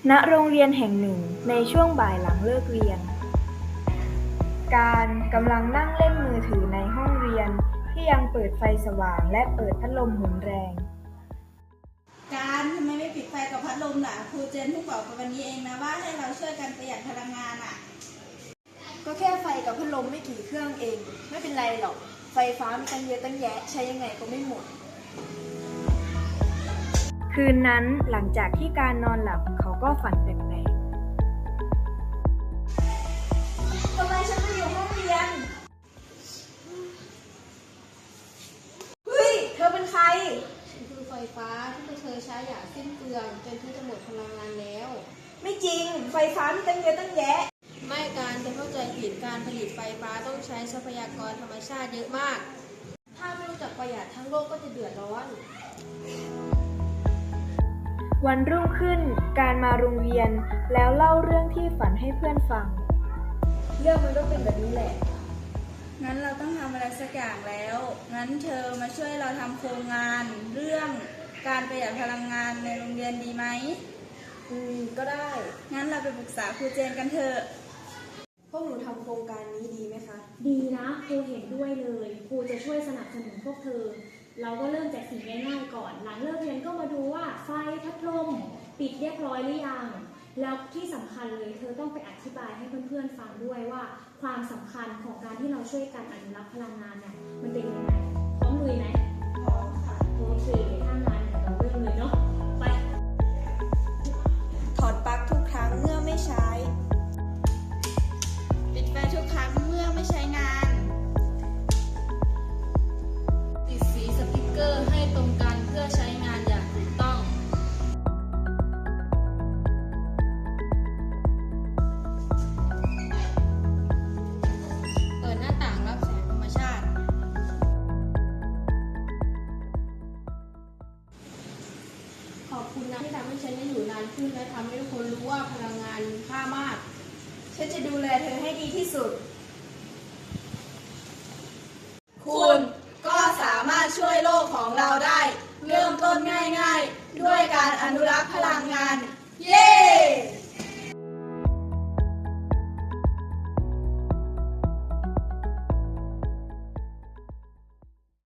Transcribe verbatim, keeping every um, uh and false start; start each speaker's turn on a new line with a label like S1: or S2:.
S1: ณโรงเรียนแห่งหนึ่งในช่วงบ่ายหลังเลิกเรียน การกำลังนั่งเล่นมือถือในห้องเรียนที่ยังเปิดไฟสว่างและเปิดพัดลมหมุนแรง
S2: การทำไมไม่ปิดไฟกับพัดลมล่ะครูเจนเพิ่งบอกไปวันนี้เองนะว่าให้เราช่วยกันประหยัดพลังงานอ่ะ
S3: ก็แค่ไฟกับพัดลมไม่กี่เครื่องเองไม่เป็นไรหรอกไฟฟ้ามีตั้งเยอะตั้งแยะใช้ยังไงก็ไม่หมด
S1: คืนนั้นหลังจากที่การนอนหลับเขาก็ฝันแปลก
S3: ทำไมฉันมาอยู่ห้องเรียนเฮ้ยเธอเป็นใคร
S4: ฉันคือไฟฟ้าที่เธอใช้อย่างสิ้นเปลืองจนเธอจะหมดพลังงานแล้ว
S3: ไม่จริงไฟฟ้ามีตั้งเยอะตั้งแยะ
S4: ไม่การจะเข้าใจผิดการผลิตไฟฟ้าต้องใช้ทรัพยากรธรรมชาติเยอะมากถ้าไม่รู้จักประหยัดทั้งโลกก็จะเดือดร้อน
S1: วันรุ่งขึ้นการมาโรงเรียนแล้วเล่าเรื่องที่ฝันให้เพื่อนฟัง
S3: เรื่องมันก็เป็นแบบนี้แหละ
S2: งั้นเราต้องทำอะไรสักอย่างแล้วงั้นเธอมาช่วยเราทำโครงงานเรื่องการประหยัดพลังงานในโรงเรียนดีไหม
S3: อืมก็ได้
S2: งั้นเราไปปรึกษาครูเจนกันเถอะ
S3: พวกหนูทำโครงการนี้ดีไหมคะ
S5: ดีนะครูเห็นด้วยเลยครูจะช่วยสนับสนุนพวกเธอเราก็เริ่มจากสิ่งง่ายๆก่อนหลังเลิกเรียนก็มาดูว่าไฟพัดลมปิดเรียบร้อยหรือยังแล้วที่สำคัญเลยเธอต้องไปอธิบายให้เพื่อนๆฟังด้วยว่าความสำคัญของการที่เราช่วยกันอนุรักษ์พลังงานเนี่ยมันเป็นยังไงพร้อมลุยไหม
S2: พร้อมค่ะ
S5: โอเคถ้างั้นเราเริ่มเลยเนาะไป
S2: ถอดปลั๊กทุกครั้งเมื่อไม่ใช้ปิดไฟทุกครั้งเมื่อไม่ใช้งาน
S4: ติดสีสติ๊กเกอร์ให้ตรงกันเพื่อใช้งานอย่างถูกต้องเปิดหน้าต่างรับแสงธรรมชาติขอบคุณนะที่ทำให้ฉันได้อยู่นานขึ้นและทำให้ทุกคนรู้ว่าพลังงานมีค่ามาก
S2: ฉันจะดูแลเธอให้ดีที่สุดคุณก็สามารถช่วยโลกของเราได้เริ่มต้นง่ายๆด้วยการอนุรักษ์พลังงานเย้